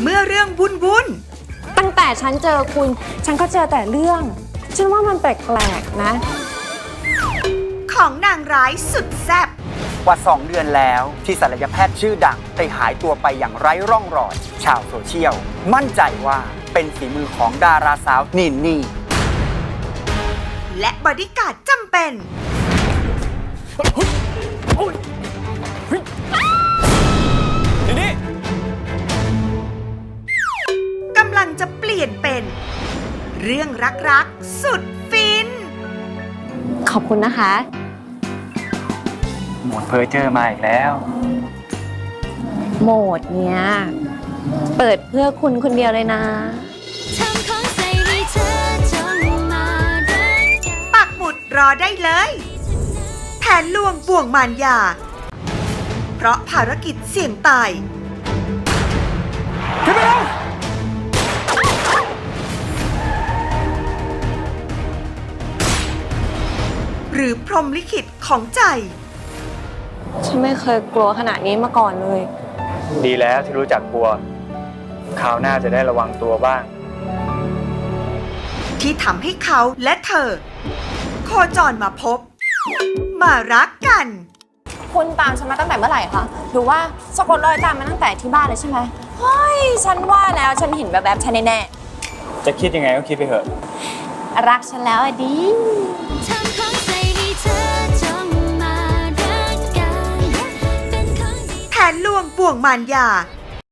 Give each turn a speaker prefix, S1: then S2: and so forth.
S1: เมื่อเรื่องวุ่น
S2: ตั้งแต่ฉันเจอคุณ ฉันก็เจอแต่เรื่อง ฉันว่ามันแปลกๆนะ
S1: ๆของนางร้ายสุดแซ่บ
S3: กว่า 2 เดือนแล้วที่ศัลยแพทย์ชื่อดังได้หายตัวไปอย่างไร้ร่องรอย ชาวโซเชียลมั่นใจว่าเป็นฝีมือของดาราสาวนินนี่
S1: และบอดี้การ์ดจำเป็น
S4: นี่
S1: กำลังจะเปลี่ยนเป็น เรื่องรักๆสุดฟิน
S2: ขอบคุณนะคะ
S3: หมดเพอเจอมาอีกแล้ว
S2: โหมดเนี้ย เปิดเพื่อคุณคนเดียวเลยนะ
S1: ปักหมุดรอได้เลย แผนลวงบ่วงมารยา เพราะภารกิจเสี่ยงตาย หรือพรหมลิขิตของใจ
S2: ฉันไม่เคยกลัวขนาดนี้มาก่อนเลย
S4: ดีแล้วที่รู้จักกลัวคราวหน้าจะได้ระวังตัวบ้าง
S1: ที่ทำให้เขาและเธอ โคจรมาพบ มารักกัน
S2: คุณตามฉันมาตั้งแต่เมื่อไหร่คะหรือว่าสะกดรอยตามมาตั้งแต่ที่บ้านเลยใช่ไหมเฮ้ย ฉันว่าแล้วฉันเห็นแบบฉันแน่
S4: จะคิดยังไงก็คิดไปเถอะ
S2: ๆรักฉันแล้วอะดิ
S1: แผนลวงบ่วงมารยา